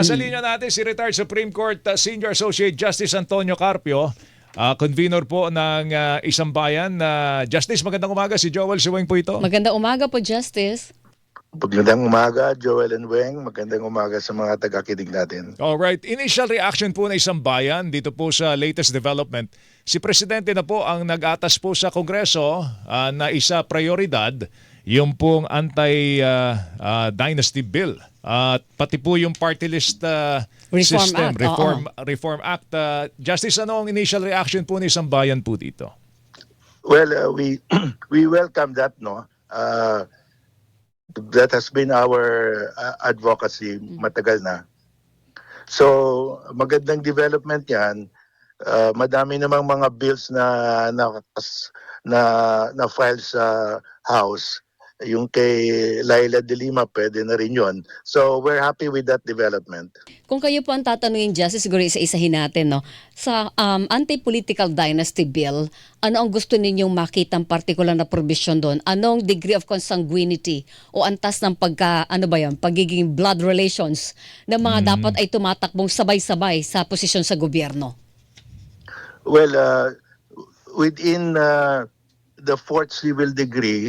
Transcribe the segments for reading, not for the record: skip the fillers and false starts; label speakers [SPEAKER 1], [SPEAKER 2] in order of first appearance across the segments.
[SPEAKER 1] Sa linya natin si retired Supreme Court Senior Associate Justice Antonio Carpio, convener po ng Isang Bayan. Justice, magandang umaga. Si Joel Siweng po ito.
[SPEAKER 2] Magandang umaga po, Justice.
[SPEAKER 3] Magandang umaga, Joel and Weng. Magandang umaga sa mga taga-kinig natin.
[SPEAKER 1] Alright, initial reaction po ng Isang Bayan dito po sa latest development. Si Presidente na po ang nag-atas po sa Kongreso na isa prioridad yung pong anti-dynasty bill. At pati po yung party list
[SPEAKER 2] Reform
[SPEAKER 1] system,
[SPEAKER 2] Act,
[SPEAKER 1] Reform Act. Justice, ano ang initial reaction po ng Isang Bayan po dito?
[SPEAKER 3] Well, we welcome that, no? That has been our advocacy matagal na. So, magandang development 'yan. Madami namang mga bills na file sa House. Yung kay Laila de Lima, pwede na rin yun. So, we're happy with that development.
[SPEAKER 2] Kung kayo po ang tatanungin, Justice, siguro isa-isahin natin, no? Sa anti-political dynasty bill, ano ang gusto ninyong makitang particular na provision doon? Anong degree of consanguinity o antas ng pagiging blood relations na mga dapat ay tumatakbong sabay-sabay sa posisyon sa gobyerno?
[SPEAKER 3] Well, within the fourth civil degree,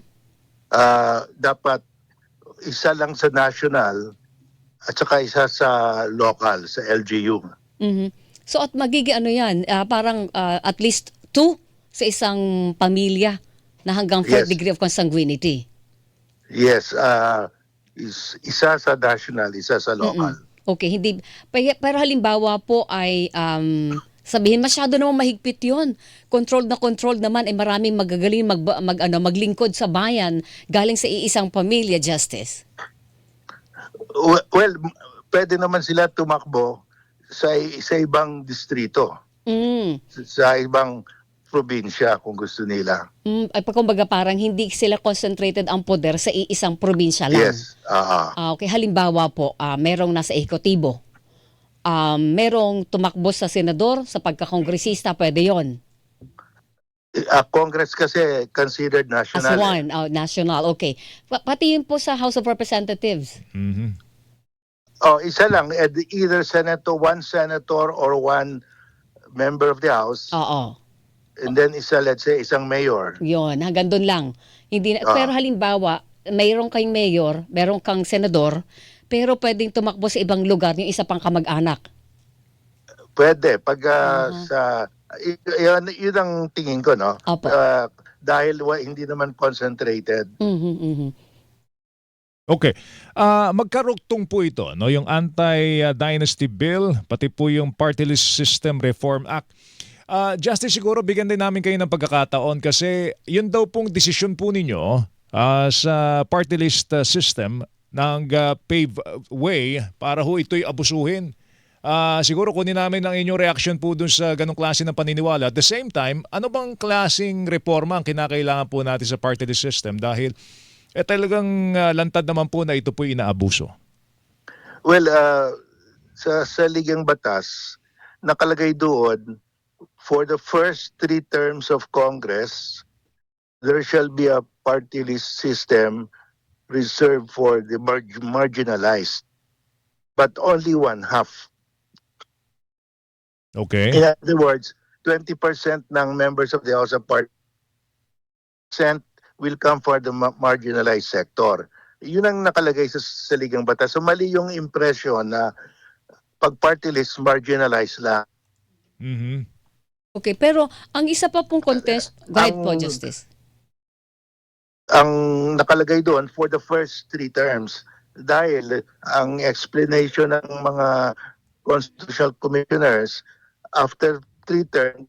[SPEAKER 3] dapat isa lang sa national at saka isa sa local, sa LGU.
[SPEAKER 2] So at magiging ano yan, parang at least 2 sa isang pamilya na hanggang 4th
[SPEAKER 3] Yes.
[SPEAKER 2] degree of consanguinity.
[SPEAKER 3] Yes, isa sa national, isa sa local.
[SPEAKER 2] Okay, hindi. Pero halimbawa po ay sabihin masyado naman mahigpit 'yon. Controlled naman ay maraming magagaling maglingkod sa bayan galing sa iisang pamilya, Justice.
[SPEAKER 3] Well, pwede naman sila tumakbo sa ibang distrito, sa ibang probinsya kung gusto nila.
[SPEAKER 2] Ay kumbaga parang hindi sila concentrated ang poder sa iisang probinsya lang.
[SPEAKER 3] Yes.
[SPEAKER 2] Okay, halimbawa po, merong nasa ehekutibo. Merong tumakbo sa senador, sa pagkakongresista, pwede yon.
[SPEAKER 3] Congress kasi considered
[SPEAKER 2] As
[SPEAKER 3] national.
[SPEAKER 2] one, national, okay. Pati yun po sa House of Representatives.
[SPEAKER 3] Isa lang, either one senator or one member of the House.
[SPEAKER 2] Oo.
[SPEAKER 3] And then let's say, isang mayor.
[SPEAKER 2] Yun, hanggang doon lang. Pero halimbawa, mayroong kang mayor, mayroong kang senador, pero pwedeng tumakbo sa ibang lugar yung isa pang kamag-anak.
[SPEAKER 3] Pwede. Pag yun ang tingin ko, no?
[SPEAKER 2] Opo.
[SPEAKER 3] Dahil hindi naman concentrated.
[SPEAKER 1] Okay. Magkarugtong po ito, no, yung anti-dynasty bill, pati po yung party list system reform act. Justice, siguro bigyan din namin kayo ng pagkakataon kasi yun daw pong desisyon po ninyo sa party list system ng pave way para ho ito'y abusuhin. Siguro kunin namin ang inyong reaction po dun sa ganong klase ng paniniwala. At the same time, ano bang klaseng reforma ang kinakailangan po natin sa party list system dahil talagang lantad naman po na ito po'y inaabuso?
[SPEAKER 3] Well, sa Ligang Batas, nakalagay doon, for the first 3 terms of Congress, there shall be a party list system reserved for the marginalized, but only one half.
[SPEAKER 1] Okay.
[SPEAKER 3] In other words, 20% ng members of the House of Parliament will come for the marginalized sector. Yun ang nakalagay sa Ligang Batas. So mali yung impression na pag party list, marginalized lang.
[SPEAKER 2] Okay, pero ang isa pa pong contest, go ahead po, Justice.
[SPEAKER 3] Ang nakalagay doon for the first 3 terms dahil ang explanation ng mga constitutional commissioners after 3 terms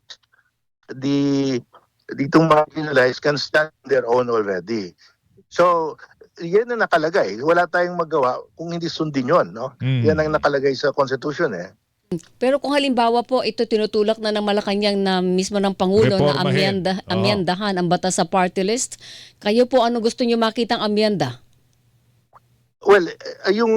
[SPEAKER 3] ditong marginalized can stand on their own already. So yan ang nakalagay. Wala tayong magawa kung hindi sundin yon, no? Yan ang nakalagay sa Constitution
[SPEAKER 2] Pero kung halimbawa po ito tinutulak na ng Malacanang na mismo ng Pangulo na amyendahan ang batas sa party list, kayo po ano gusto niyo makitang amyenda?
[SPEAKER 3] Well, yung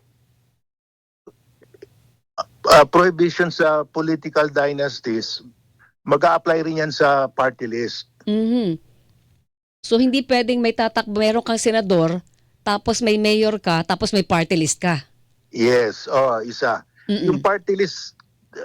[SPEAKER 3] prohibition sa political dynasties, mag-a-apply rin yan sa party list.
[SPEAKER 2] So hindi pwedeng meron kang senador, tapos may mayor ka, tapos may party list ka.
[SPEAKER 3] Yes, isa. Yung
[SPEAKER 2] Mm-mm.
[SPEAKER 3] party list,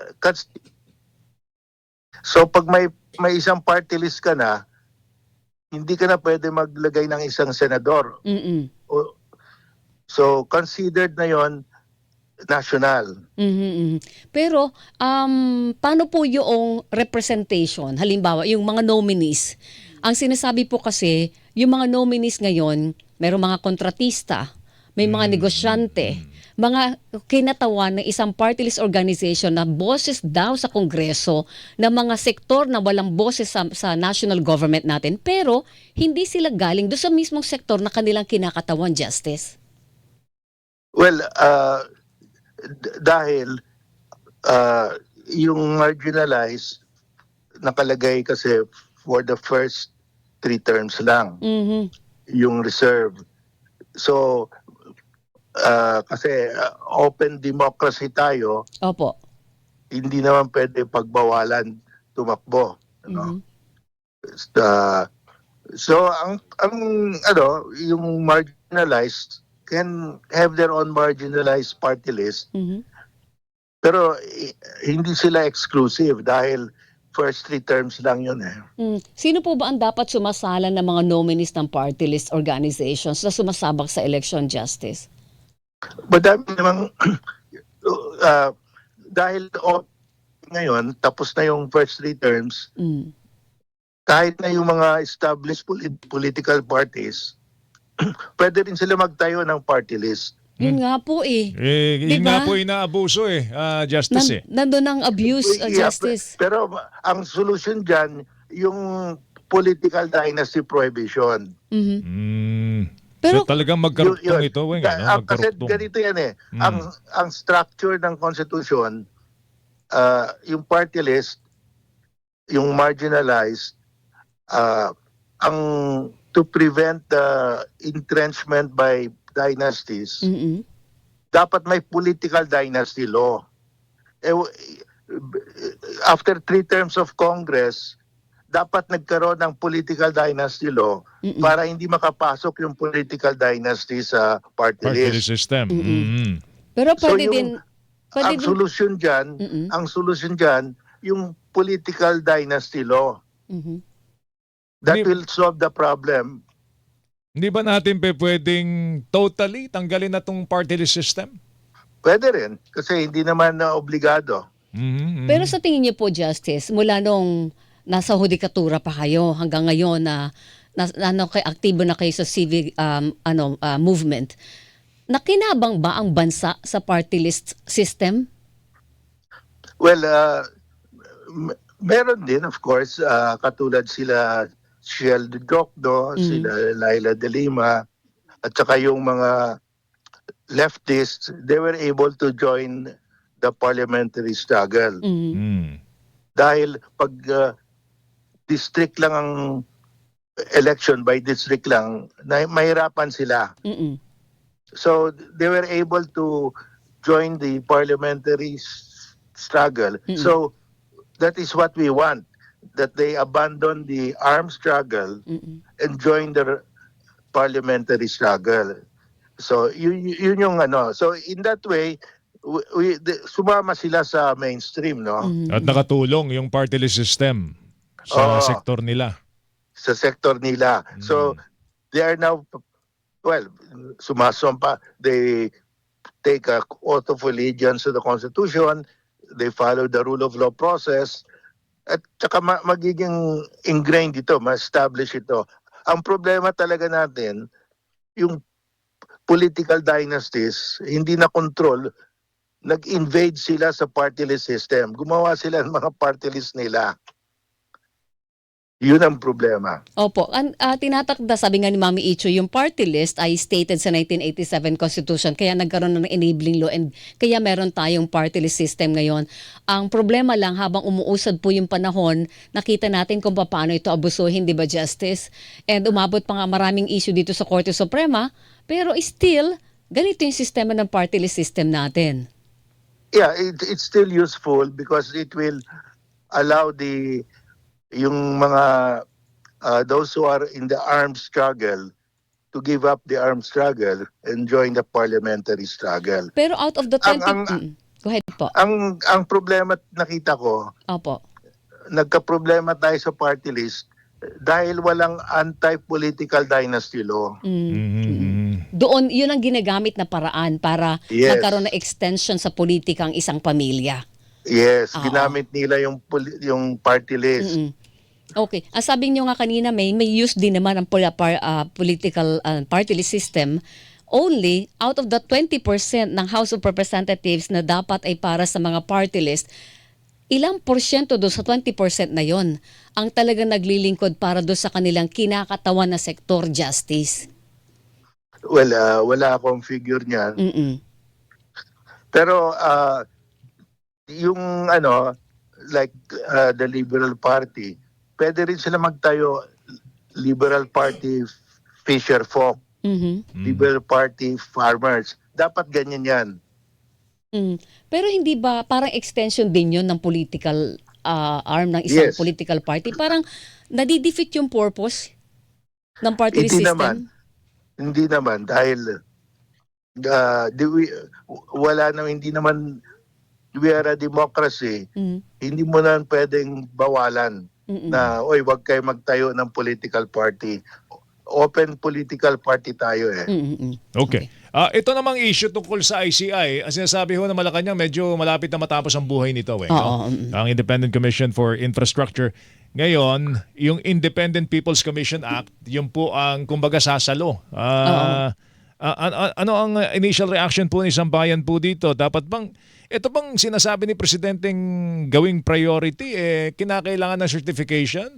[SPEAKER 3] so pag may isang party list ka na, hindi ka na pwede maglagay ng isang senador.
[SPEAKER 2] Mm-mm.
[SPEAKER 3] So considered na yon national.
[SPEAKER 2] Mhm, mhm. Pero, paano po yung representation? Halimbawa, yung mga nominees. Ang sinasabi po kasi, yung mga nominees ngayon, merong mga kontratista, may mga negosyante, mga kinatawan ng isang party list organization na boses daw sa Kongreso ng mga sektor na walang boses sa national government natin, pero hindi sila galing doon sa mismong sektor na kanilang kinakatawan, Justice.
[SPEAKER 3] Well, dahil yung marginalized nakalagay kasi for the first 3 terms lang
[SPEAKER 2] Mhm.
[SPEAKER 3] yung reserve. So kasi open democracy tayo,
[SPEAKER 2] Opo.
[SPEAKER 3] hindi naman pwede pagbawalan tumakbo, ano?
[SPEAKER 2] Mhm.
[SPEAKER 3] Uh, so ang yung marginalized can have their own marginalized party list,
[SPEAKER 2] Mhm.
[SPEAKER 3] pero hindi sila exclusive dahil first 3 terms lang yun eh.
[SPEAKER 2] Sino po ba ang dapat sumasala ng mga nominees ng party list organizations na sumasabak sa election, Justice?
[SPEAKER 3] Madami namang uh, dahil ngayon tapos na yung first 3 terms,
[SPEAKER 2] Mm.
[SPEAKER 3] kahit na yung mga established political parties, pwede rin sila magtayo ng party list.
[SPEAKER 2] Yun nga po eh.
[SPEAKER 1] Yun nga
[SPEAKER 2] Diba?
[SPEAKER 1] po inaabuso Justice
[SPEAKER 2] Nandun ang abuse,
[SPEAKER 3] Yeah,
[SPEAKER 2] Justice.
[SPEAKER 3] pero ang solution dyan, yung political dynasty prohibition.
[SPEAKER 2] Mhm.
[SPEAKER 1] Mm.
[SPEAKER 2] Pero,
[SPEAKER 1] So talagang magkaruktong ito, Weng,
[SPEAKER 3] Kasi
[SPEAKER 1] Magkaruktong.
[SPEAKER 3] ganito yan eh. Ang structure ng Constitution, yung party list, yung marginalized, ang to prevent the entrenchment by dynasties,
[SPEAKER 2] mm
[SPEAKER 3] dapat may political dynasty law. After 3 terms of Congress, dapat nagkaroon ng political dynasty law para hindi makapasok yung political dynasty sa party
[SPEAKER 1] Party list
[SPEAKER 3] list.
[SPEAKER 1] system.
[SPEAKER 2] pero
[SPEAKER 3] So
[SPEAKER 2] pwede
[SPEAKER 3] yung
[SPEAKER 2] pwede
[SPEAKER 3] ang
[SPEAKER 2] din,
[SPEAKER 3] solusyon dyan, yung political dynasty law.
[SPEAKER 2] Mhm.
[SPEAKER 3] That
[SPEAKER 1] Hindi-
[SPEAKER 3] will solve the problem.
[SPEAKER 1] Hindi ba natin pwedeng totally tanggalin na tong party list system?
[SPEAKER 3] Pwede rin kasi hindi naman na obligado.
[SPEAKER 2] Pero sa tingin niyo po, Justice, mula nung nasa hudikatura pa kayo hanggang ngayon aktibo na kayo sa civic movement, nakinabang ba ang bansa sa party list system?
[SPEAKER 3] Well, meron din of course, katulad sila Shell de Jocdo, sila Laila de Lima, at saka yung mga leftists, they were able to join the parliamentary struggle. Dahil pag district lang ang election, by district lang, mahirapan sila.
[SPEAKER 2] Mm-mm.
[SPEAKER 3] So they were able to join the parliamentary struggle. So that is what we want, that they abandon the armed struggle and join the parliamentary struggle. So yun yung ano. So in that way, sumama sila sa mainstream, no?
[SPEAKER 1] At nakatulong yung party list system sa sektor nila.
[SPEAKER 3] Sa sektor nila. So they are now, well, sumasumpa, they take a oath of allegiance to the Constitution, they follow the rule of law process, at saka magiging ingrained ito, ma-establish ito. Ang problema talaga natin, yung political dynasties, hindi na control, nag-invade sila sa party list system. Gumawa sila ng mga party list nila. Yun ang problema.
[SPEAKER 2] Opo. Tinatakda, sabi nga ni Mami Icho, yung party list ay stated sa 1987 Constitution, kaya nagkaroon ng enabling law and kaya meron tayong party list system ngayon. Ang problema lang, habang umuusad po yung panahon, nakita natin kung paano ito abusuhin, di ba, Justice? And umabot pa nga maraming issue dito sa Korte Suprema, pero still, ganito yung sistema ng party list system natin.
[SPEAKER 3] Yeah, it's still useful because it will allow yung mga those who are in the armed struggle to to give up the armed struggle and join the parliamentary struggle.
[SPEAKER 2] Pero out of the 20... Go ahead po.
[SPEAKER 3] Ang problema nakita ko,
[SPEAKER 2] Opo.
[SPEAKER 3] nagka-problema tayo sa party list dahil walang anti-political dynasty law.
[SPEAKER 2] Doon, yun ang ginagamit na paraan para
[SPEAKER 3] Yes.
[SPEAKER 2] magkaroon ng extension sa politika ang isang pamilya.
[SPEAKER 3] Yes,
[SPEAKER 2] Oo.
[SPEAKER 3] ginamit nila yung party list.
[SPEAKER 2] Okay. Ang sabi niyo nga kanina, may use din naman ang political party list system. Only out of the 20% ng House of Representatives na dapat ay para sa mga party list, ilang porsyento doon sa 20% na yon ang talagang naglilingkod para doon sa kanilang kinakatawan na sektor, Justice?
[SPEAKER 3] Well, wala akong figure niyan. Pero yung like the Liberal Party, pwede rin sila magtayo Liberal Party Fisher Folk, Liberal Party Farmers. Dapat ganyan yan.
[SPEAKER 2] Pero hindi ba parang extension din yun ng political arm ng isang
[SPEAKER 3] Yes.
[SPEAKER 2] political party? Parang nadidefeat yung purpose ng party list system?
[SPEAKER 3] Hindi naman dahil hindi naman we are a democracy. Hindi mo na pwedeng bawalan na wag kayo magtayo ng political party. Open political party tayo eh.
[SPEAKER 1] Okay. Ito namang issue tungkol sa ICI. Ang sinasabi ho na Malacanang, medyo malapit na matapos ang buhay nito.
[SPEAKER 2] Oo.
[SPEAKER 1] Ang Independent Commission for Infrastructure. Ngayon, yung Independent People's Commission Act, yun po ang kumbaga sasalo. Ano ang initial reaction po ni Sambayan po dito? Ito bang sinasabi ni Presidenteng gawing priority, kinakailangan ng certification?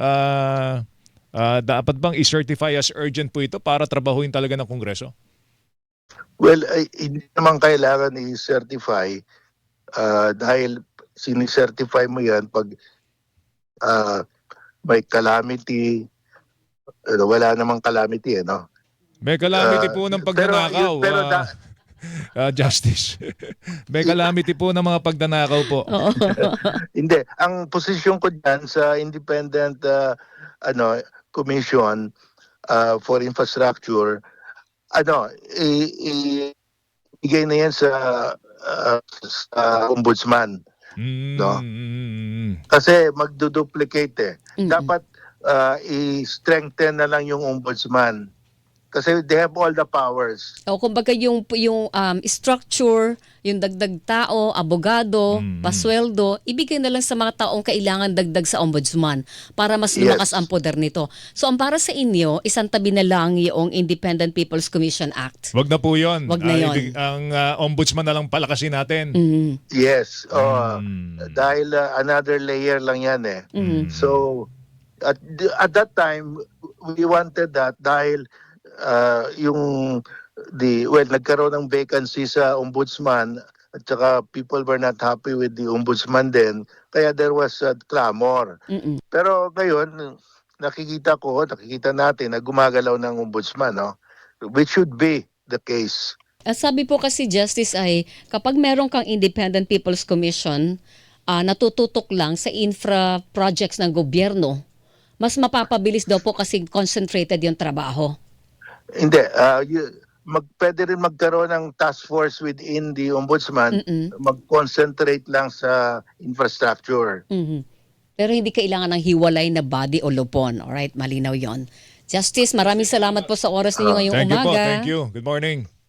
[SPEAKER 1] Dapat bang i-certify as urgent po ito para trabahuin talaga ng Kongreso?
[SPEAKER 3] Well, hindi naman kailangan i-certify dahil sinicertify mo yan pag may calamity. Wala namang calamity, no?
[SPEAKER 1] May calamity po ng pagnanakaw. Justice. May calamity po ng mga pagnanakaw po.
[SPEAKER 3] Hindi. Ang posisyon ko dyan sa Independent Commission for Infrastructure, ibigay na yan sa ombudsman. No? Kasi magduduplicate Dapat i-strengthen na lang yung ombudsman. Kasi they have all the powers.
[SPEAKER 2] O kumbaga yung structure, yung dagdag tao, abogado, pasweldo, ibigay na lang sa mga taong kailangan dagdag sa ombudsman para mas lumakas ang poder nito. So ang para sa inyo, isang tabi na lang yung Independent People's Commission Act.
[SPEAKER 1] Wag na po yun.
[SPEAKER 2] Wag na yun.
[SPEAKER 1] Ang ombudsman na lang palakasin natin.
[SPEAKER 3] Yes. Dahil another layer lang yan So at that time, we wanted that dahil nagkaroon ng vacancy sa ombudsman at saka people were not happy with the ombudsman then kaya there was a clamor. Pero ngayon nakikita natin na gumagalaw ng ombudsman, which should be the case.
[SPEAKER 2] Sabi po kasi, Justice, ay kapag meron kang Independent People's Commission, natututok lang sa infra projects ng gobyerno, mas mapapabilis daw po kasi concentrated yung trabaho.
[SPEAKER 3] Hindi. Pwede rin magkaroon ng task force within the ombudsman, mag-concentrate lang sa infrastructure.
[SPEAKER 2] Pero hindi kailangan ng hiwalay na body o lupon. Alright, malinaw yon. Justice, maraming salamat po sa oras ninyo ngayong
[SPEAKER 1] Thank you
[SPEAKER 2] umaga.
[SPEAKER 1] po. Thank you. Good morning.